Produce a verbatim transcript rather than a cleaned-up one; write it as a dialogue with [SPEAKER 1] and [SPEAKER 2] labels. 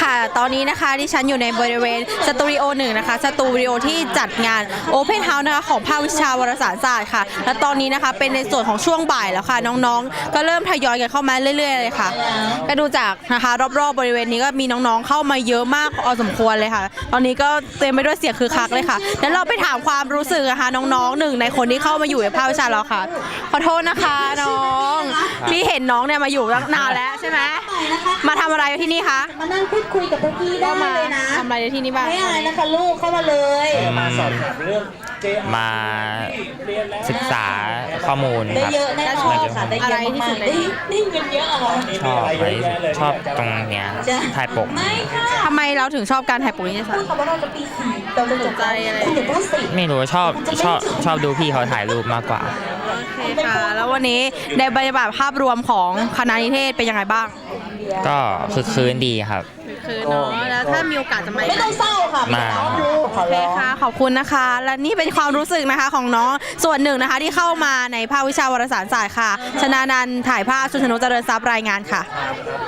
[SPEAKER 1] ค่ะตอนนี้นะคะที่ฉันอยู่ในบริเวณสตูดิโอหนึ่งนะคะสตูดิโอที่จัดงาน Open House นะคะของภาควิชาวารสารศาสตร์ค่ะและตอนนี้นะคะเป็นในส่วนของช่วงบ่ายแล้วค่ะน้องๆก็เริ่มทยอยกันเข้ามาเรื่อยๆเลยค่ะก็ดูจากนะคะรอบๆบริเวณนี้ก็มีน้องๆเข้ามาเยอะมากพอสมควรเลยค่ะตอนนี้ก็เต็มไปด้วยเสียงคือคักเลยค่ะเดี๋ยวเราไปถามความรู้สึกนะคะน้องๆหนึ่งในคนที่เข้ามาอยู่ในภาควิชาเราค่ะขอโทษนะคะน้องพี่เห็นน้องเนี่ยมาอยู่ตั้งนานแล้วใช่ไหมมาทำอะไรที่นี่คะ
[SPEAKER 2] มานั่งพูดคุยกับพี่ได้เลยนะ
[SPEAKER 1] ทำอะไรในที่นี่บ้าง
[SPEAKER 2] ไม่อะไรนะคะลูกเข้ามาเลย
[SPEAKER 3] มาสอบถามเรื่อง มาศึกษาข้อมูล
[SPEAKER 2] ได้
[SPEAKER 3] ครับ
[SPEAKER 2] เยอะแน่นอนค่ะได้เยอะมากๆได้ได้เงินเยอะเหรอ
[SPEAKER 3] ชอบไว้ชอบตรงเนี้ยถ่ายปก
[SPEAKER 2] ไม่ค่ะ
[SPEAKER 1] ทำไมเราถึงชอบการถ่ายปกนิตยสา
[SPEAKER 2] พู
[SPEAKER 1] ร
[SPEAKER 2] ดคำว่าเราจะปีสี่เราจะจบ
[SPEAKER 1] ใจอะไร
[SPEAKER 2] คุณอย่าพูดสิ
[SPEAKER 3] ไม่รู้ชอบชอบชอบดูพี่เขาถ่ายรูปมากกว่า
[SPEAKER 1] โอเคค่ะ แล้ววันนี้ในบรรยากาศภาพรวมของคณะนิเทศเป็นยังไงบ้าง
[SPEAKER 3] ก็คือคืนดีครับ
[SPEAKER 1] คือเนาะแล้วถ้ามีโอกาสจะมา
[SPEAKER 2] ไม่ต้องเศร้าค่ะ
[SPEAKER 3] มา
[SPEAKER 2] ขอ
[SPEAKER 1] โอเค
[SPEAKER 2] ร้อง
[SPEAKER 1] ค่ะ ขอบคุณนะคะ และนี่เป็นความรู้สึกนะคะของน้องส่วนหนึ่งนะคะที่เข้ามาในภาควิชาวารสารศาสตร์ค่ะ ชนานันท์ถ่ายภาพชุนชนกเจริญทรัพย์รายงานค่ะ